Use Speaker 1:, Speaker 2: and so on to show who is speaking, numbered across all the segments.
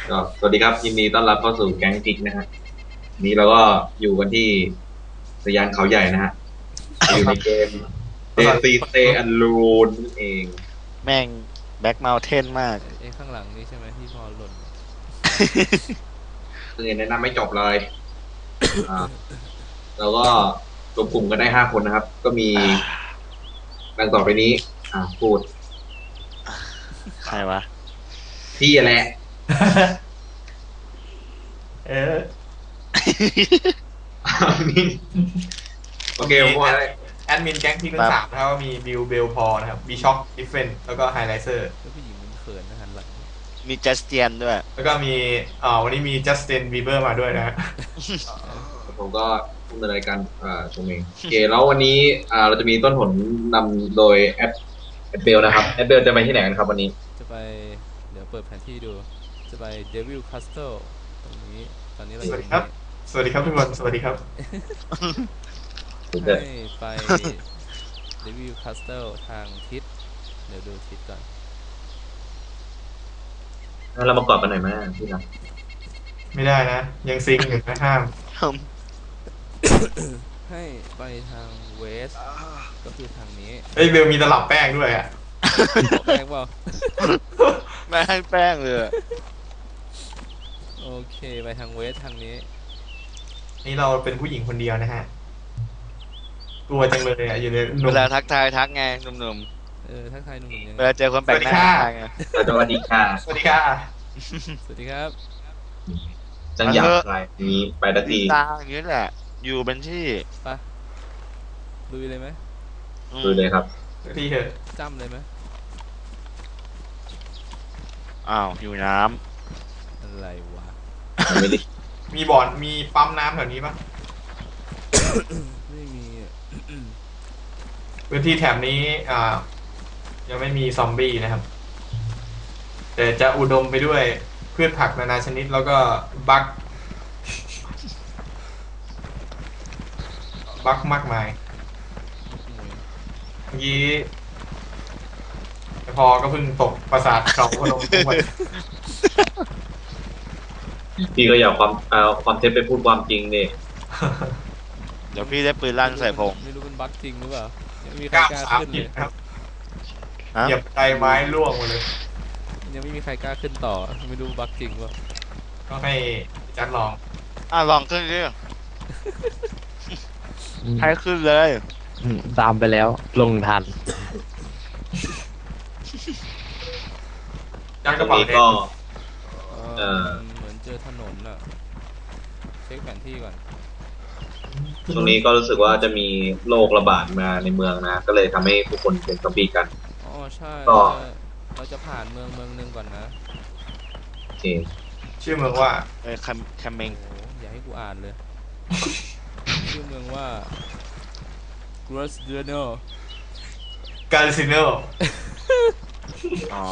Speaker 1: ก็สวัสดีครับยินดีต้อนรับเข้าสู่แก๊งกิกนะฮะนี้เราก็อยู่กันที่สยานเขาใหญ่นะฮะอยู่ในเกมเดซีเตอันลูนนั่นเอง
Speaker 2: แม่งแบ็คเม t เทนมาก
Speaker 3: ไอ้ข้างหลังนี่ใช่ไหมที่พอหล่น
Speaker 1: คือแนะนำไม่จบเลยอ่าเราก็รวมกลุ่มกันได้5 คนนะครับ ก็มีดังต่อไปนี้พูด
Speaker 2: ใครวะ
Speaker 1: พี่แหละ
Speaker 4: เออ
Speaker 1: นี่โอเคผมว่าอะไร
Speaker 4: แอดมินแก๊งพิกทั้งสามนะครับก็มีบิลเบลพอนะครับบีช็อคดิฟเฟนแล้วก็ไฮไลเซอร์
Speaker 3: แล้วผู้หญิงมันเขินนะหันหลัง
Speaker 2: มีจัสเตียนด้วย
Speaker 4: แล้วก็มีวันนี้มีจัสตินบีเบอร์มาด้วยนะฮะ
Speaker 1: ผมก็ดำเนินรายการตรงเองโอเคแล้ววันนี้เราจะมีต้นหนนำโดยแอดเบลนะครับแอดเบลจะไปที่ไหนกันครับวันนี้
Speaker 3: จะไปเดี๋ยวเปิดแผนที่ดูจะไปเดวิลคาสเซิลตรงนี้ตอนนี้เราอ
Speaker 4: สวั
Speaker 3: ยู่
Speaker 4: สดีครับ สวัสดีครับทุกคน สวัสดีครับ
Speaker 3: ให้ไปเดวิลคาสเซิลทางทิศเดี๋ยวดูทิศก่อน
Speaker 1: งั้นเรามากอดกันหน่อยไหมพี่นะ
Speaker 4: ไม่ได้นะ ยังซิงอยู่นะห้าม
Speaker 3: ให้ไปทางเวสก็คือทางนี้
Speaker 4: เฮ้ยเบลมีตลับแป้งด้วยอ่ะ
Speaker 3: บอกแป้งเปล่า
Speaker 2: ไม่ให้แป้งเลย
Speaker 3: โอเคไปทางเวสทางนี้
Speaker 4: นี่เราเป็นผู้หญิงคนเดียวนะฮะกลัวจังเลยอ่ะอยู่ในห
Speaker 2: เว
Speaker 4: นุ่ม
Speaker 2: ลาทักทายทักไงหนุ่ม
Speaker 3: ทักทายหนุ่มๆยัง
Speaker 2: ๆ
Speaker 3: ไง
Speaker 2: เวลาเจอคนแปลกหน้า
Speaker 4: สวัสดีค่ะ
Speaker 2: ทักไง
Speaker 1: สวัสดีค่ะ
Speaker 4: สวัสดีค่ะ
Speaker 3: สวัสดีครับ
Speaker 1: จังอยากใครนี้ไปทันที
Speaker 2: ตาอย่างนี้แหละ อยู่เป็นที่
Speaker 3: ไปลุยเลยไหม
Speaker 1: ดูเลยครับ
Speaker 4: สักทีเถอะ
Speaker 3: จ้ำเลยไหม
Speaker 2: อ้าวอยู่น้
Speaker 3: อะไรวะ
Speaker 1: ไม่ได้
Speaker 4: มีบ่อนมีปั๊มน้ำแถวนี้ปะ
Speaker 3: ไม่มีอะ
Speaker 4: พื้นที่แถบนี้ยังไม่มีซอมบี้นะครับ แต่จะอุดมไปด้วยพืชผักนานาชนิดแล้วก็บั๊กมากมายเมื่อกี้พอก็เพิ่งตกปราสาทเขาพนมทุกวัน
Speaker 1: พี่ก็อยากความเท็จไปพูดความจริงเนี่ย
Speaker 2: ำเดี๋ยวพี่ได้ปืนลั่นใส่พง
Speaker 3: ไม่รู้เป็นบั๊กจริงหรือเปล่ายังไม่มีใค
Speaker 4: ก
Speaker 3: ร
Speaker 4: ล้าม
Speaker 3: กล้า
Speaker 4: สาม
Speaker 3: ขึ้น
Speaker 4: ผิ
Speaker 3: เล
Speaker 4: ด
Speaker 3: ย
Speaker 4: ครับ
Speaker 2: ฮะ
Speaker 4: เหยียบไตไม้ร่วงหมดเลย
Speaker 3: ยังไม่มีใครกล้าขึ้นต่อไม่รู้บั๊กจริงเปล่า
Speaker 4: ก็ให้จัดลอง
Speaker 2: ลองขึ้นดิให้ขึ้นเลย
Speaker 5: ตามไปแล้วลงทัน
Speaker 4: จัดก
Speaker 1: ตร
Speaker 4: ระ
Speaker 1: ง
Speaker 4: เป๋า
Speaker 1: นี้
Speaker 4: แด
Speaker 1: ก็
Speaker 4: ง
Speaker 3: เหมือนเจอถนนอ่ะเช็คแผนที่ก่อน
Speaker 1: ตรงนี้ก็รู้สึกว่าจะมีโรคระบาดมาในเมืองนะ ก็เลยทำให้ผู้คนเป็นซอมบี้กัน
Speaker 3: อ๋อใช่
Speaker 1: ก็
Speaker 3: เราจะผ่านเมืองหนึงก่อนนะ
Speaker 1: โอเค
Speaker 4: ชื่อเมืองว่า
Speaker 2: แคมเมง
Speaker 3: โอ้อย่าให้กูอ่านเลย ชื่อเมืองว่า g r o s d e n o
Speaker 4: กาลิซิโน
Speaker 2: อ๋อ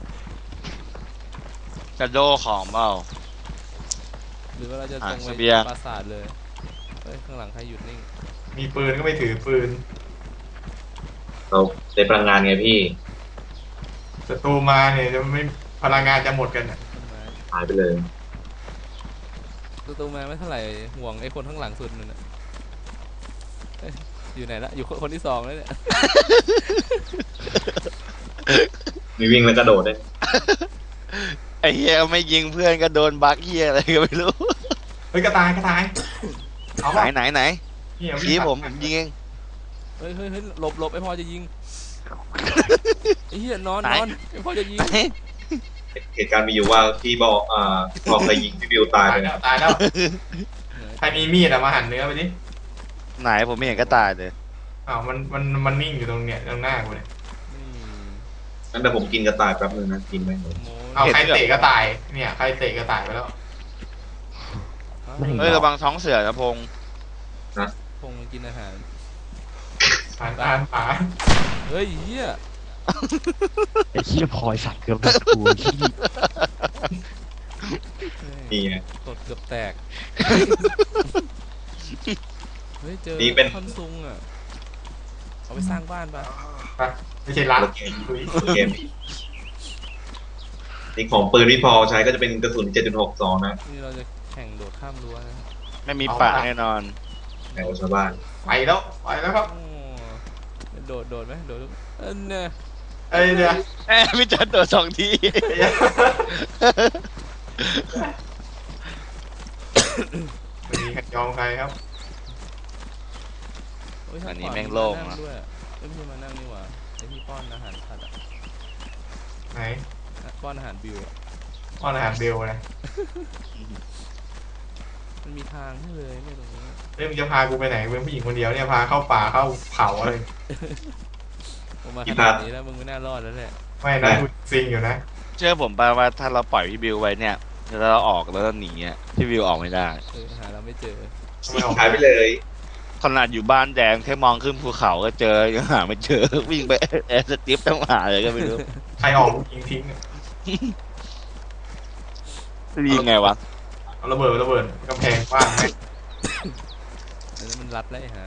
Speaker 2: กระโดของเปล่า
Speaker 3: หรือว่าเราจะตรงไป
Speaker 2: เสบียง
Speaker 3: ปราสาทเลยเฮ้ยข้างหลังใครหยุดนิ่ง
Speaker 4: มีปืนก็ไม่ถือปืน
Speaker 1: เราได้พลังงานไงพี่
Speaker 4: ศัตรูมาเนี่ยจะไม่พลังงานจะหมดกันอะ
Speaker 3: ต้นไม้
Speaker 1: หายไปเลย
Speaker 3: ประตูมาไม่เท่าไหร่ห่วงไอ้คนข้างหลังสุดนั่นน่ะเอ้ยอยู่ไหนละอยู่คนที่สองแล้วเนี่ย
Speaker 1: มีวิ่งแล้วกระโดดด้วย
Speaker 2: ไอ้เฮียไม่ยิงเพื่อนก็โดนบักเฮียอะไรก็ไม่รู้
Speaker 4: เฮ้ยกระต่ายเอา
Speaker 2: ไหน
Speaker 4: ป่ะ
Speaker 2: ไหน
Speaker 4: นี่เอา
Speaker 2: ชี้
Speaker 4: วิ่ง
Speaker 2: ผมเอง
Speaker 3: เฮ้ยหลบไอ้พอจะยิงไอ้เหี้ยนอนไอ้พอจะยิง
Speaker 2: ไหน
Speaker 1: เหตุการณ์มีอยู่ว่าพี่บอกพอเคยยิงพี่บิวตาย
Speaker 4: ตาย
Speaker 1: ไป
Speaker 4: แล้วตายแล้วใครมีมีดอะมาหั่นเนื้อไปดิ
Speaker 2: ไหนผมไม่เห็นก็ตายเลย
Speaker 4: อ้าวมันนิ่งอยู่ตรงเนี้ยตรงหน้ากูเนี่ย
Speaker 1: งั้นเดี๋ยวผมกินกระต่ายแป๊บนึงนะกินไหม
Speaker 3: โม
Speaker 4: เอาใครเตะก็ตายเนี่ยใครเตะก็ตายไปแล้ว
Speaker 5: ไม่
Speaker 2: เฮ้ยระวังท้องเสือนะพงษ์
Speaker 3: พงกินอาหาร
Speaker 4: ผ่าน
Speaker 3: เฮ้ยเหี้ย
Speaker 5: ไอ้เหี้ยพลอยสัตว์เกือบโดนกูขี้
Speaker 1: นี่ไง
Speaker 3: กดเกือบแตกเฮ้ยเจอ
Speaker 1: นี่เป็น
Speaker 3: ท่อนซุงอ่ะเอาไปสร้างบ้านปะ
Speaker 4: ไปไม่ใช่รัด
Speaker 1: โอเค
Speaker 4: ลุย
Speaker 1: เกมนี่ของปืนพี่พอใช้ก็จะเป็นกระสุน 7.62 นะ
Speaker 3: นี่เราจะแข่งโดดข้ามรั้วนะ
Speaker 2: ไม่มีป่าแน่นอน
Speaker 1: แถวชาวบ้าน
Speaker 4: ไปแล้วครับ
Speaker 3: โอ้โดดไหมโดดเนี่ย
Speaker 4: เอ้ยเดี๋ยว
Speaker 2: พี่จันโดด2 ที
Speaker 4: ไม่มีใครยอมใครครับ
Speaker 3: โยทา
Speaker 2: อันนี้
Speaker 3: ขวา
Speaker 2: แม่งโล่ง
Speaker 3: นั่
Speaker 2: นะ
Speaker 3: ด้วยไม่ใช่มานั่งนี่หว่าไอที่ป้อนอาหารสัตว์อะ
Speaker 4: ไหน
Speaker 3: ป้อนอาหารบิวอะ
Speaker 4: อ้อนอาหารเบลนะ
Speaker 3: มันมีทางให้เลยเนี่ยตรงนี้
Speaker 4: เฮ้ยมึงจะพากูไปไหนกูเป็นผู้หญิงคนเดียวเนี่ยพาเข้าป่าเข้าเขาอะไร
Speaker 3: ผมมา
Speaker 1: อี
Speaker 3: ข
Speaker 1: พา
Speaker 3: นา
Speaker 1: ร์
Speaker 3: ด
Speaker 1: ท
Speaker 3: นี้แล้วมึงไม่น่ารอดแล้วแหละ
Speaker 4: ไม่นะกูซิงอยู่นะ
Speaker 2: เชื่อผมป่ะว่าถ้าเราปล่อยพี่บิวไว้เนี่ยแล้วเราออกแล้วเราหนีอ่ะพี่บิวออกไม่ได้
Speaker 3: หาเราไม่เจอ
Speaker 4: ทำไมออก
Speaker 1: หายไปเลย
Speaker 2: ขนาดอยู่บ้านแดงแค่มองขึ้นภูเขาก็เจอยังหาไม่เจอ วิ่งไปแอร์สติปต้องหาเลยก็ไม่รู้
Speaker 4: ใครออกกูยิงทิ้งอะ
Speaker 2: ยิงไงวะ
Speaker 4: เอาระเบิดกำแพงกว้างไหม
Speaker 3: อันนั้นมันรัดแล้วไอ้ห่า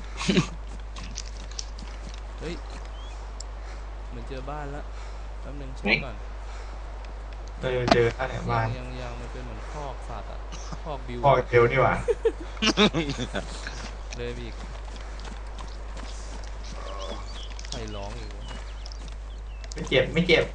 Speaker 3: เฮ้ยเหมือนเจอบ้านแล้วแป๊บนึงเช็คก่อน
Speaker 4: เจอท่านเนี่ยบ้าน
Speaker 3: ยังมันเป็นเหมือนคอกสัตว์อะคอกบิว
Speaker 4: พ่อกับเบลนี่หว่า
Speaker 3: เลยไปอีกใครร้องอีกวะ
Speaker 4: ไม่เจ็บ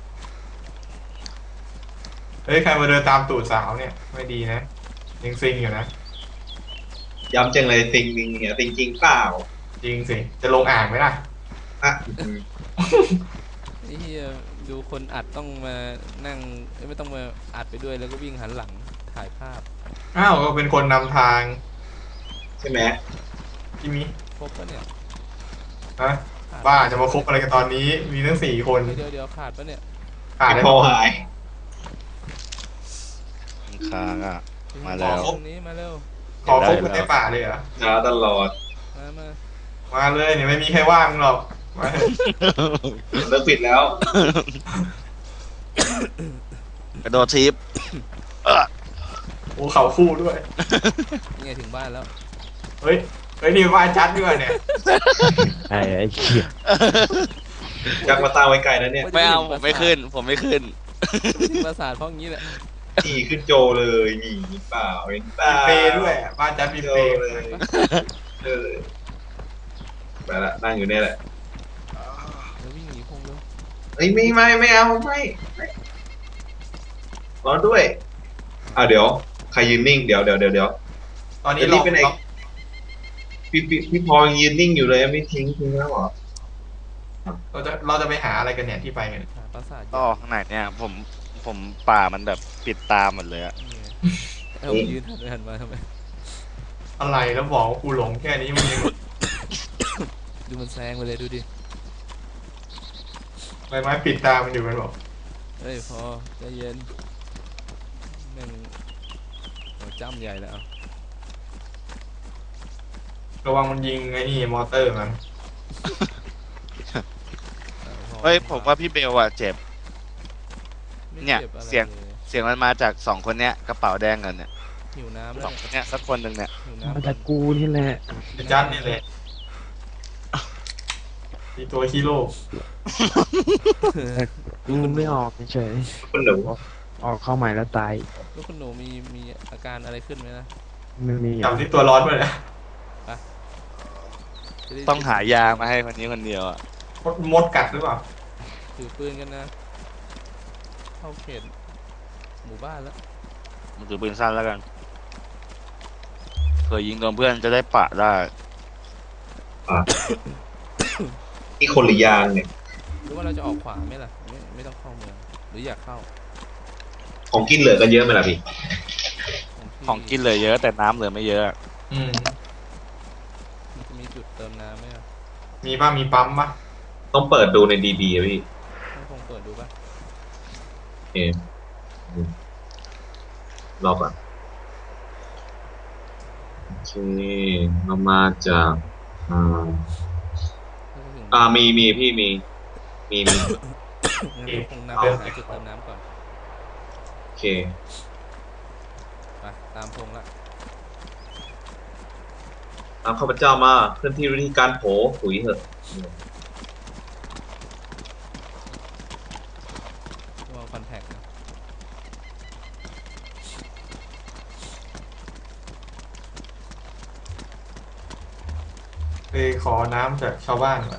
Speaker 4: เฮ้ยใครมาเดินตามตูดสาวเนี่ยไม่ดีนะยังซิงอยู่นะ
Speaker 1: ย้ำจังเลยติงเนี่ยติงจริงเปล่า
Speaker 4: จริงสิจะลงอ่างไหมล่ะ
Speaker 1: อ่ะ
Speaker 3: ไอ้เหี้ยดูคนอัดต้องมานั่งไม่ต้องมาอัดไปด้วยแล้วก็วิ่งหันหลังถ่ายภาพ
Speaker 4: อ้าวก็เป็นคนนำทาง
Speaker 1: ใช่ไหม
Speaker 4: ที่มี
Speaker 3: ครบปะเนี่ย
Speaker 4: ฮะบ้าจะมาคบอะไรกันตอนนี้มีทั้ง4 คน
Speaker 3: เดี๋ยวขาดปะเนี่ย
Speaker 4: ขาด
Speaker 1: พี่
Speaker 4: ได้
Speaker 1: พอหาย
Speaker 2: ค้างอ่ะ มาแล้ว
Speaker 3: ตรงนี้มาเร็ว
Speaker 4: ขอคบกันในป่าเลยเหรอ
Speaker 1: ช้าตลอด
Speaker 4: มาเลยเนี่ยไม่มีใครว่างหรอกมาเถอะ
Speaker 1: เลิกปิดแล้ว
Speaker 2: กระโดดทิป
Speaker 4: โอ้เขาคู่ด้วย
Speaker 3: นี่ไงถึงบ้านแล้ว
Speaker 4: เฮ้ยนี่บ้านจัดด้วยเนี่ย
Speaker 5: ไอ้เหี้ย
Speaker 1: จักมาตั้งไว้ไกลนะเนี่ย
Speaker 2: ไม่เอาผมไม่ขึ้น ผมไม่ขึ้น
Speaker 3: ถึงปราสาทเพราะงี้แหละ
Speaker 1: ขี่ขึ้นโจเลยนี่เปล่าเห็นเปล่า
Speaker 4: มีเปย์ด้วยบ้านจัดมี
Speaker 1: โจ
Speaker 4: เปย์
Speaker 1: เลยเออไปละนั่งอยู่เนี่ยแหละ
Speaker 3: แล้ววิ่งหนีพงเลย
Speaker 1: เฮ้ยไม่เอาไม่รอด้วยเดี๋ยวใครยืนนิ่งเดี๋ยว
Speaker 4: ตอนนี้
Speaker 1: จะรีบไปไหน พี่พอยังยืนนิ่งอยู่เลยไม่ทิ้งแล้วเหรอ
Speaker 4: เราจะไปหาอะไรกันเนี่ยที่ไปกัน
Speaker 3: หาปราสาท
Speaker 2: ก็ข้างในเนี่ยผมป่ามันแบบปิดตาหมดเลยอะ
Speaker 3: เอายืนหันมาทำไม
Speaker 4: อะไรแล้วบอกว่ากูหลงแค่นี้มึงยัง
Speaker 3: ดูมันแซงไปเลยดูดิ
Speaker 4: ใบไม้ปิดตามันอยู่มันบอก
Speaker 3: เฮ้ยพอใจเย็นแม่งโอ้จ้ำใหญ่แล้ว
Speaker 4: ระวังมันยิงไอ้นี่มอเตอร์มัน
Speaker 2: เฮ้ยผมว่าพี่เบลอะเจ็บ
Speaker 3: ไม่
Speaker 2: เนี่ย
Speaker 3: จ็บอะไร
Speaker 2: เสียง
Speaker 3: ล
Speaker 2: เสียงมันมาจาก2 คนเนี้ยกระเป๋าแดงกันเนี่ย
Speaker 3: หิวน้ำ
Speaker 2: ส
Speaker 3: แล้
Speaker 2: อ
Speaker 3: ว
Speaker 2: งคนเนี้ยสักคนหนึ่งเนี่ย
Speaker 3: หิว
Speaker 5: มา
Speaker 3: น้ำ
Speaker 5: จากกูนี่แหละ
Speaker 4: ไอ้จัดนี่แหละมีตัวฮีโร่
Speaker 5: กูไม่ออกเฉย
Speaker 1: คุณหนู
Speaker 5: ๆออกเข้าใหม่แล้วตาย
Speaker 3: แล้วคุณหนูมีอาการอะไรขึ้นไหมนะ
Speaker 5: ไม่มี
Speaker 4: จำที่ตัวร้อนด้วยนะ
Speaker 3: จะได้
Speaker 2: ต้องหายามาให้คนนี้คนเดียวอะ
Speaker 4: มดกัดหรือเปล่า
Speaker 3: ถือปืนกันนะ เข้าเขตหมู่บ้านแล้ว
Speaker 2: มันถือปืนสั้นแล้วกันเผื่อยิงโดนเพื่อนจะได้ปะได้
Speaker 1: นี่คนหรือยางเนี่ย
Speaker 3: หรือว่าเราจะออกขวาไหมล่ะไม่ต้องเข้าเมืองหรืออยากเข้า
Speaker 1: ของกินเหลือกันเยอะไหมล่ะพี่
Speaker 2: ของกินเลยเยอะแต่น้ำเหลือไม่เยอะ
Speaker 4: อืม
Speaker 3: มันจะมีจุดเติมน้ำไหมอ่ะ
Speaker 4: มีป่ะมีปั๊มป่ะ
Speaker 1: ต้องเปิดดูในดีๆอะพี่
Speaker 3: ต้องคงเปิดดูป่ะ
Speaker 1: โอเครอก่อนโอเคเรามาจากมีพี่มี
Speaker 3: งั้นเราคงนำไปหาจุดเติมน้ำก่อน
Speaker 1: โอเค
Speaker 3: ไปตามพงละ
Speaker 1: เอาข้าพเจ้ามาเคลื่อนที่วิธีการโผถุยเถอะ
Speaker 3: วางคอนแทคนะ
Speaker 4: ขอน้ำจากชาวบ้านก่อน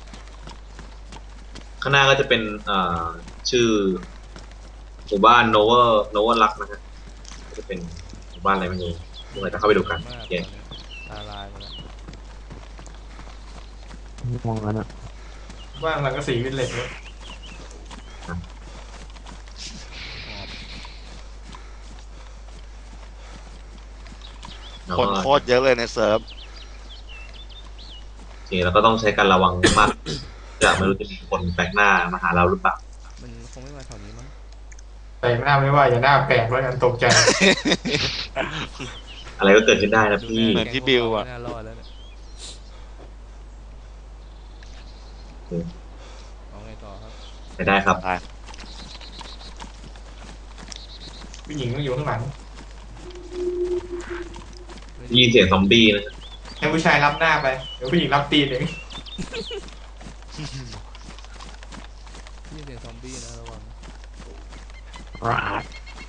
Speaker 1: ข้างหน้าก็จะเป็นชื่อหมู่บ้านโนเวอร์ลักนะครับก็จะเป็นหมู่บ้านอะไรไม่รู้เดี๋ยวเราจะเข้าไปดูกัน
Speaker 3: มาก
Speaker 1: โอเค
Speaker 3: ตาลายหมดแล้ว
Speaker 5: มองกันอะ
Speaker 4: บ้านหลังก็สีวิลเลจเนี่ย
Speaker 1: แล้ว
Speaker 2: คน
Speaker 1: ก็
Speaker 2: โคตรเยอะเลยในเซิร์ฟ
Speaker 1: โอเคแล้วก็ต้องใช้การระวังมากจะไม่รู้จะมีคนแปลกหน้ามาหาเราหรือเปล่า
Speaker 3: มันคงไม่มาแถวนี้มั้ง
Speaker 4: แต่หน้าไม่ว่าอย่าหน้าแปลกแล้วกันตกใจ
Speaker 1: อะไรก็เกิดขึ้นได้นะพี่
Speaker 2: เหมือนพี่บิวอะ
Speaker 3: ไม่น่ารอดแล้วเนี่ยเอาไงต่อครับ
Speaker 1: ไปได้ครับ
Speaker 4: ผู้หญิงต้องอยู่ข้างหลัง
Speaker 1: ได้ยินเสียงซอมบี้นะ
Speaker 4: ให้ผู้ชายรับหน้าไปเดี๋ยวผู้หญิงรับตีนเอง
Speaker 3: นี่เสียงซอมบี้นะระวัง
Speaker 5: ราด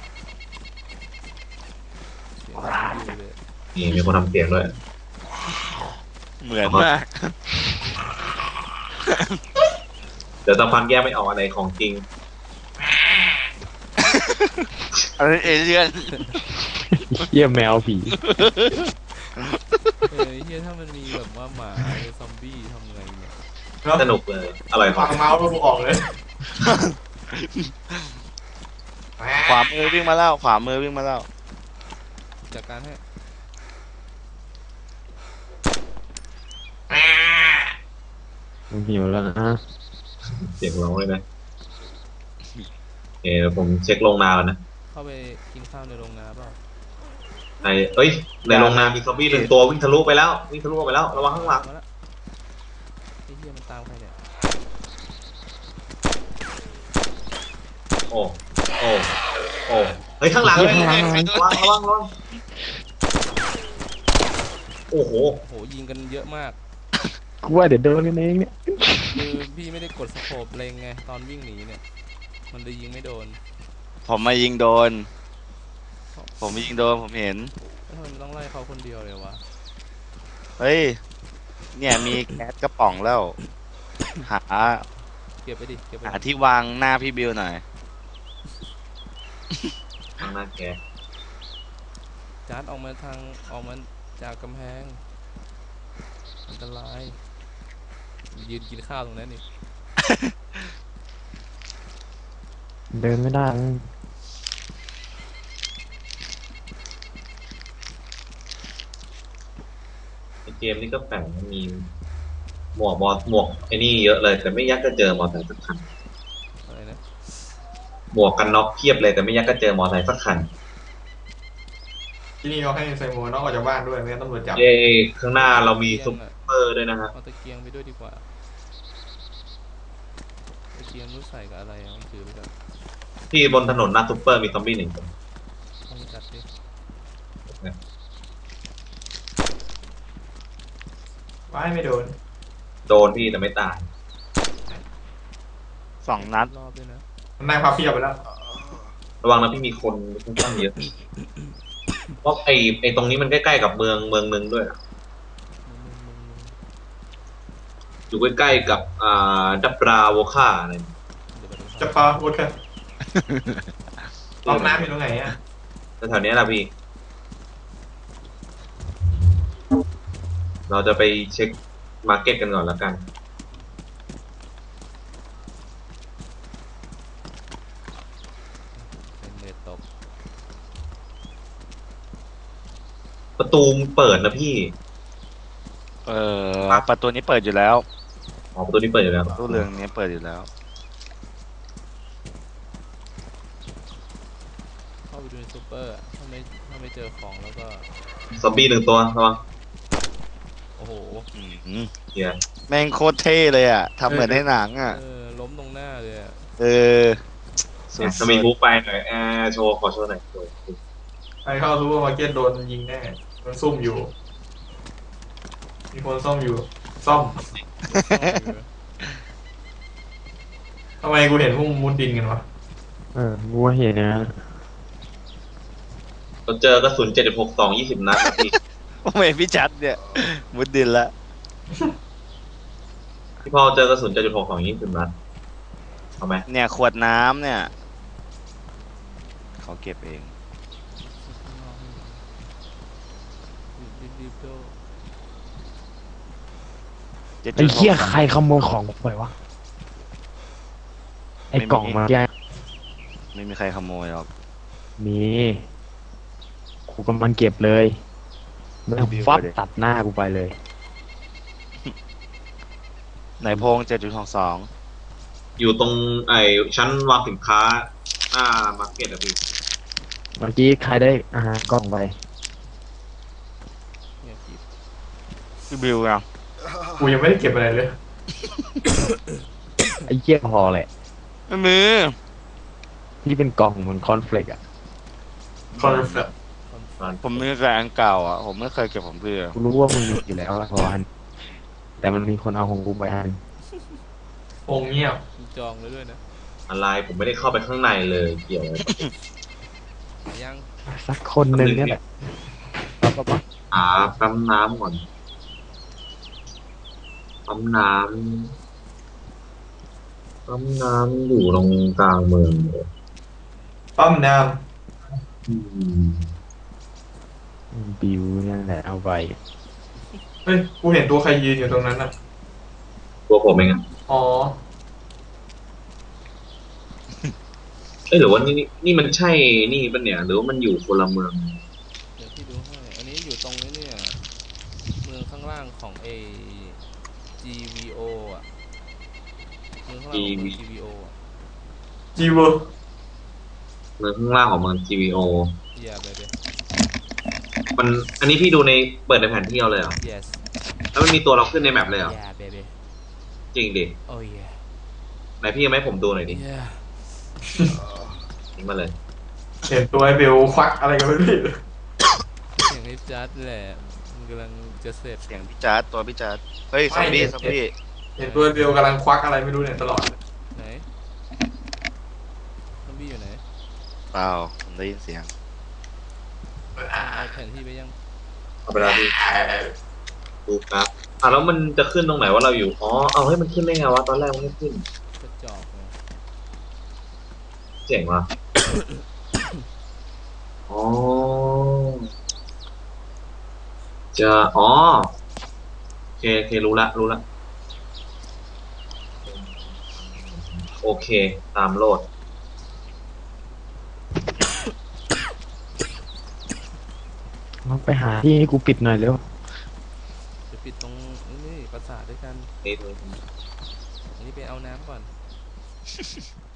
Speaker 3: เสียงซอมบี้เลย
Speaker 1: นี่มีคนทำเสียงด้วย
Speaker 2: เหมือนมาก
Speaker 1: เดี๋ยวตะพันแยกไม่ออกอะไรของจริง
Speaker 2: อันนี้เอเลี่ยน
Speaker 5: เยี่ยแมวผี
Speaker 3: เฮียถ้ามันมีแบบว่าหมาหรือซอมบี้ทำไงเนี่ย
Speaker 4: แล้ว
Speaker 1: สนุกเลยอร่อย
Speaker 4: ฟังเมาส์แล้วกูออกเลย
Speaker 2: ขวามือวิ่งมาแล้วขวามือวิ่งมาแล้ว
Speaker 3: จากการให้
Speaker 5: มันหิวแล้วนะ
Speaker 1: เสียงร้องเลยนะเดี๋ยวผมเช็คลงนาก่อนนะ
Speaker 3: เข้าไปกินข้าวในโรงนาเปล่า
Speaker 1: เอ้ยในโรงนามีซอมบี้หนึ่งตัววิ่งทะลุไปแล้ววิ่งทะลุออกไปแล้วระวังข้างหลัง
Speaker 3: มาแล้วไอ้เฮียมันตามใครเนี่ย
Speaker 1: โอ้โอ้โอ้เฮ้ยข้างหลังเลยระวังโอ้โห
Speaker 3: โหยิงกันเยอะมาก
Speaker 5: กูว่าเดี๋ยวโดนกันเองเนี่ย
Speaker 3: คือพี่ไม่ได้กดสโคปเล็งไงตอนวิ่งหนีเนี่ย มันเลยยิงไม่โดน
Speaker 2: ผมมายิงโดน ผมยิงโดนผมเห็น
Speaker 3: แล้วทำไมมันต้องไล่เขาคนเดียวเลยวะ
Speaker 2: เฮ้ย เนี่ยมีแก๊สกระป๋องแล้ว หา
Speaker 3: เก็บไปดิเก็บไป
Speaker 2: หา
Speaker 3: ดิ
Speaker 2: ที่วางหน้าพี่บิวหน่อย
Speaker 1: ข้างหน้าแก
Speaker 3: จาร์ดออกมาจากกำแพงอันตรายยืนกินข้าวตรงนั้นนี่
Speaker 5: เดินไม่ได้
Speaker 1: ในเกมนี้ก็แปลกมันมีหมวกไอ้นี่เยอะเลยแต่ไม่ยักจะเจอมอเตอร์ไซค์สักคัน
Speaker 3: อะไรนะ
Speaker 1: หมวกกันน็อกเพียบเลยแต่ไม่ยักก็เจอมอเตอร์ไซค์สักคัน
Speaker 4: ที่นี่เขาให้ใส่หมวกนอกออกจากบ้านด้วยไม่งั้นตำรวจจับ
Speaker 1: เย้ข้างหน้าเรามีซุปเปอร์ด้วยนะฮะ
Speaker 3: เอาตะเกียงไปด้วยดีกว่าตะเกียงรู้ใส่กับอะไรอ่ะมันถือไปกับ
Speaker 1: ที่บนถนนหน้าซุปเปอร์มีซอมบี้หนึ่งคน
Speaker 3: ต้องจัดดิ
Speaker 4: ว่ายไม่โดน
Speaker 1: โดนพี่แต่ไม่ตาย
Speaker 2: 2 นัด
Speaker 3: รอบด้วยนะ
Speaker 4: มันนั่งพับเพียบไปแล้ว
Speaker 1: ระวังนะพี่มีคนค่อนข้างเยอะเพราะไอ้ตรงนี้มันใกล้ๆกับเมืองหนึ่งด้วยอะ
Speaker 3: มึง
Speaker 1: อยู่ใกล้ๆกับดับราโวคาอะไร
Speaker 3: เดี๋ยวไปตรง
Speaker 4: จะพาวุฒิกันห้องน้ำอยู่ตรงไหนอ่ะ
Speaker 1: แถวๆนี้แหละพี่ เราจะไปเช็คมาร์เก็ตกันก่อนแล้วกัน
Speaker 3: เป็นเนตตก
Speaker 1: ประตูเปิดนะพี่
Speaker 2: ประตูนี้เปิดอยู่แล้ว
Speaker 1: อ๋อประตูนี้เปิดอยู่แล้ว
Speaker 2: ตู้เรืองนี้เปิดอยู่แล้ว
Speaker 3: เข้าไปดูในซูเปอร์อะถ้าไม่เจอของแล้วก็
Speaker 1: ซอมบี้หนึ่งตัวระวัง
Speaker 3: โอ้โห
Speaker 1: เฮีย
Speaker 2: แม่งโคตรเท่เลยอ่ะทำเหมือนในหนังอ่ะ
Speaker 3: ล้มตรงหน้าเลยอะ
Speaker 2: เออสุด
Speaker 1: จะมีบุ๊กไปหน่อยโชว์ขอโชว์หน่อยโชว์
Speaker 4: ไปเข้าซูเปอร์มาร์เก็ตโดนยิงแน่มันซุ่มอยู่ มีคนซ่อมอยู่ ซ่อมทำไมกูเห็นพวกมุดดินกันวะ
Speaker 5: กูว่าเห็นนะ
Speaker 1: เราเจอกระสุน7.62 20 นัดนะพี่
Speaker 2: โอ้ยพี่จัดเนี่ยมุดดินละ
Speaker 1: พี่พอเจอกระสุน7.6ของยี่สิบนัดเอาไหม
Speaker 2: เนี่ยขวดน้ำเนี่ยเขาเก็บเอง
Speaker 3: รีบๆโด
Speaker 5: ไอ้เหี้ยใครขโมยของกูไปวะไอ้กล่องมาแก
Speaker 2: ไม่มีใครขโมยหรอก
Speaker 5: มีกูกำลังเก็บเลยไม่งฟับตัดหน้ากูไปเลย
Speaker 2: ไหนพง7.62
Speaker 1: อยู่ตรงไอ้ชั้นวางสินค้าหน้ามาร์เก็ตอะพี่
Speaker 5: เมื่อกี้ใครได้อาหารกล่องไป
Speaker 3: เนี่ยกิบ
Speaker 2: พี่บิวอ่ะ
Speaker 4: กูยังไม่ได้เก็บอะไรเลย
Speaker 5: ไอ้เหี้ยพอแหละ
Speaker 2: ไม่มี
Speaker 5: ที่เป็นกล่องเหมือนคอนเฟลกอะ
Speaker 4: คอนเฟล
Speaker 2: ผมมีแต่อันเก่าอ่ะผมไม่เคยเก็บของพี่อะ
Speaker 5: กูรู้ว่ามึงมีอยู่แล้วละพออันแต่มันมีคนเอาของกูไปอัน
Speaker 4: องเงียบ
Speaker 3: มึงจองเลยด้วยนะ
Speaker 1: อะไรผมไม่ได้เข้าไปข้างในเลยเกี่ยวอะไร
Speaker 3: หายัง
Speaker 5: สักคนหนึ่งเนี่ยแหละปั๊บปั๊บปั๊บ
Speaker 1: ปั๊มน้ำก่อนปั๊มน้ำอยู่ตรงกลางเมืองเลย
Speaker 4: ปั๊มน้
Speaker 5: บิวนั่นแหละเอาไป
Speaker 4: ำเฮ้ย กูเห็นตัวใครยืนอยู่ตรงนั้นอ่ะ
Speaker 1: ตัวผมเองอะ
Speaker 4: อ๋อ
Speaker 1: หรือว่านี่มันใช่นี่ปะเนี่ยหรือว่ามันอยู่คนละเมือง
Speaker 3: เดี๋ยวพี่ดูให้อันนี้อยู่ตรงนี้เนี่ยเมืองข้างล่างของGVO อ่ะเมืองข้างล่างของเมือง GVO อ่ะ
Speaker 4: จีเวอร์
Speaker 1: เมืองข้างล่างของเมือง GVO
Speaker 3: อย่าไปเลย
Speaker 1: มันอันนี้พี่ดูในเปิดในแผนที่เอาเลยเหรอ
Speaker 3: yes
Speaker 1: แล้วมันมีตัวเราขึ้นในแมปเลยเหรอ
Speaker 3: yeah baby
Speaker 1: จริงดิ
Speaker 3: oh yeah
Speaker 1: ไหนพี่ยังไม่ให้ผมดูหน่อยดิ
Speaker 3: yeah
Speaker 1: ทิ้งมาเลย
Speaker 4: เห็นตัวไอ้เบลควักอะไรกันไม่รู้
Speaker 3: เสียงไอ้จัดแหละมันกำลังจะเสร็จ
Speaker 2: เสียงพี่จ๊าดตัวพี่จ๊าดเฮ้ยซอมบี้ซอมบี้
Speaker 4: เห็นตัวไอ้เบลกำลังควักอะไรไม่รู้เนี่ยตลอด
Speaker 3: ไหนซอมบี้อยู่ไหน
Speaker 2: เปล่าผมได้ยินเสียง
Speaker 3: เอาแผนที่ไปยัง
Speaker 1: เอาไปแล้วพี่ดูครับแล้วมันจะขึ้นตรงไหนว่าเราอยู่อ๋อเอาให้มันขึ้นได้ไงวะตอนแรกมันไม่ขึ้น
Speaker 3: กระจอกเลย
Speaker 1: เจ๋งว่ะ อ๋ออ๋อโอเครู้ละโอเคตามโลด
Speaker 5: ไปหาที่ให้กูปิดหน่อยเร็ว
Speaker 3: จะปิดตรงนี่ปราสาทด้วยกัน
Speaker 1: นี่
Speaker 3: อันนี้ไปเอาน้ำก่อน